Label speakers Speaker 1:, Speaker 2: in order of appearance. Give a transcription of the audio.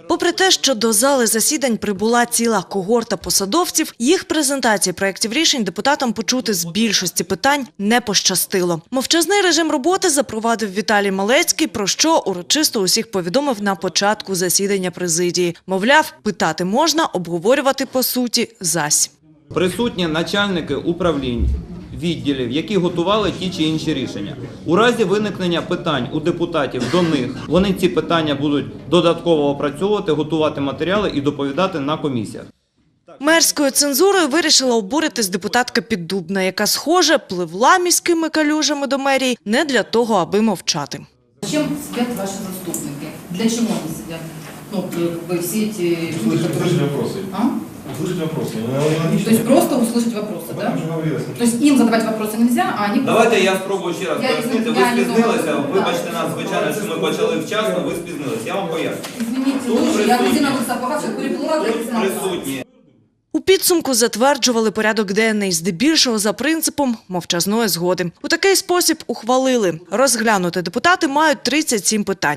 Speaker 1: Попри те, що до зали засідань прибула ціла когорта посадовців, їх презентації проєктів рішень депутатам почути з більшості питань не пощастило. Мовчазний режим роботи запровадив Віталій Малецький, про що урочисто усіх повідомив на початку засідання президії. Мовляв, питати можна, обговорювати по суті зась.
Speaker 2: Присутні начальники управлінь, відділів, які готували ті чи інші рішення. У разі виникнення питань у депутатів до них, вони ці питання будуть додатково опрацьовувати, готувати матеріали і доповідати на комісіях.
Speaker 1: Мерською цензурою вирішила обуритись депутатка Піддубна, яка, схоже, пливла міськими калюжами до мерії не для того, аби мовчати.
Speaker 3: Зачем сидят ваши заступники? Для чего они сидят? Ну, как бы все эти...
Speaker 4: Услышать вопросы.
Speaker 3: А?
Speaker 4: Услышать вопросы.
Speaker 3: То есть просто услышать вопросы, да? То есть им задавать вопросы нельзя, а они...
Speaker 2: Давайте я спробую ще раз
Speaker 3: Я
Speaker 2: пояснити. Ви
Speaker 3: не
Speaker 2: спізнилися,
Speaker 3: думала.
Speaker 2: вибачте нас, звичайно, що ми почали вчасно, ви спізнилися. Я вам поясню.
Speaker 3: Извините,
Speaker 2: Тут
Speaker 3: слушай, я
Speaker 2: присутні.
Speaker 3: где на сапогах, сейчас переплыла,
Speaker 2: Тут присутні.
Speaker 1: У підсумку затверджували порядок денний, здебільшого за принципом мовчазної згоди. У такий спосіб ухвалили. Розглянути депутати мають 37 питань.